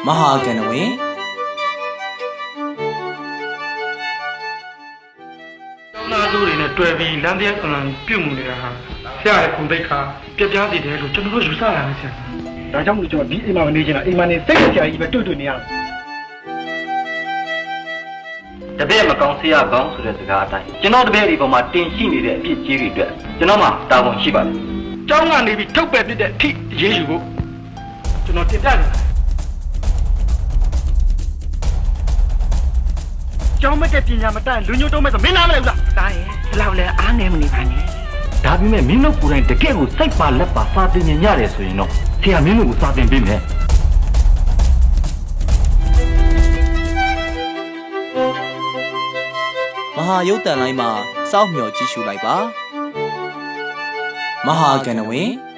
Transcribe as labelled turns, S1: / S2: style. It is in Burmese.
S1: မဟာကဏ္ဍဝင်
S2: ကျောင်းသားသူတွေနဲ့တွေ့ပြီးလမ်းတရားအမှန်ပြုတ်မှုနေတာဟာဆရာရဲ့ခုံတိတ်ခါပြပြစီတယ်လို့ကျွန်တော်တို့ယူဆရတယ်ဆရာဒါကြောင့်မို့ကျွန်တော်ဒီအိမ်မှာမနေချင်တာအိမ်မှာနေစိတ်ကြဆရာကြီးပဲတွေ့နေရ
S3: တပည့်မကောင်းဆရာကောင်းဆိုတဲ့စကားအတိုင်းကျွန်တော်တပည့်ဒီပေါ်မှာတင်ရှိနေတဲ့အဖြစ်ကြီးတွေအတွက်ကျွန်တော်မှတာဝန်ရှိပါတယ်
S2: ကျောင်းကနေပြီးထုတ်ပယ်ပြတဲ့အထိရေးယူဖို့ကျွန်တော်တင်ပြနေတာကျောင်းမတက်ပညာမတတ်လူညို့တော့မဲ့ဆိုမင်းနားမလဲဘူးလား
S4: တားရဲ့ဒီလောက်လဲအားငယ်မနေပါနဲ့
S3: ဒါပေမဲ့မင်းတို့ကိုယ်တိုင်တကယ့်ကိုစိတ်ပါလက်ပါစာသင်နေရတယ်ဆိုရင်တော့ဆရာမင်းတို့ကိုစာသင်ပေးမယ်
S1: မဟာရုပ်တန်လိုင်းမှာစောင့်မျှော်ကြည့်ရှုလိုက်ပါမဟာကဏ္ဍဝင်